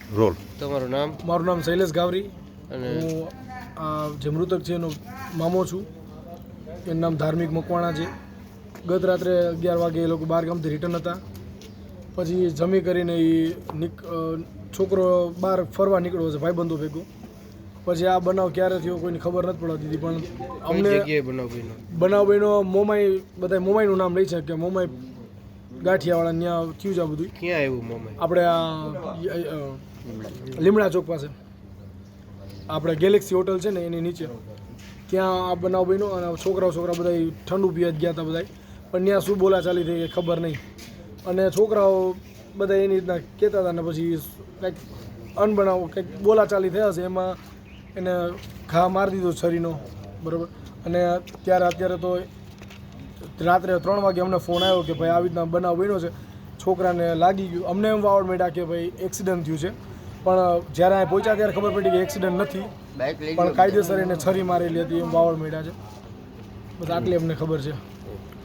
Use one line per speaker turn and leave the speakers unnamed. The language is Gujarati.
રોલ.
તમારું નામ?
મારું નામ શૈલેષ ગાવરી
અને
હું જે મૃતક છે એનો મામો છું. એનું નામ ધાર્મિક મકવાણા છે. ગત રાત્રે 11 વાગે એ લોકો બહાર ગામથી રિટર્ન હતા. પછી જમી કરીને છોકરો બહાર ફરવા નીકળ્યો છે ભાઈબંધો ભેગો. પછી આ બનાવ ક્યારે થયો કોઈની ખબર નથી પડવા દીધી. પણ અમને
જગ્યાએ બનાવ બન્યો?
બનાવ બન્યો મોમાઈ, બધા મોમાઈનું નામ લઈ છે કે મોમાઈ ગાંઠિયાવાળા ત્યાં થયું છે આ બધું.
ક્યાં આવ્યું મોમાઈ?
આપણે આ લીમડા ચોક પાસે આપણે ગેલેક્સી હોટલ છે ને એની નીચે ત્યાં આ બનાવ બન્યો. અને છોકરા બધા ઠંડુ પીવા જ ગયા હતા બધા. પણ ત્યાં શું બોલાચાલી થઈ એ ખબર નહીં. અને છોકરાઓ બધા એની રીતના કહેતા હતા. ને પછી કંઈક અનબનાવ કંઈક બોલાચાલી થયા છે એમાં એને ઘા મારી દીધો છરીનો, બરાબર. અને અત્યારે તો રાત્રે 3 વાગે અમને ફોન આવ્યો કે ભાઈ આવી રીતના બનાવ બન્યો છે, છોકરાને લાગી ગયું. અમને એમ વાવડ માંડ્યા કે ભાઈ એક્સિડન્ટ થયું છે. પણ જ્યારે અહીં પહોંચ્યા ત્યારે ખબર પડી કે એક્સિડન્ટ નથી, પણ કાયદેસર એને છરી મારેલી હતી એમ વાવડ માંડ્યા છે. બસ આટલી અમને ખબર છે.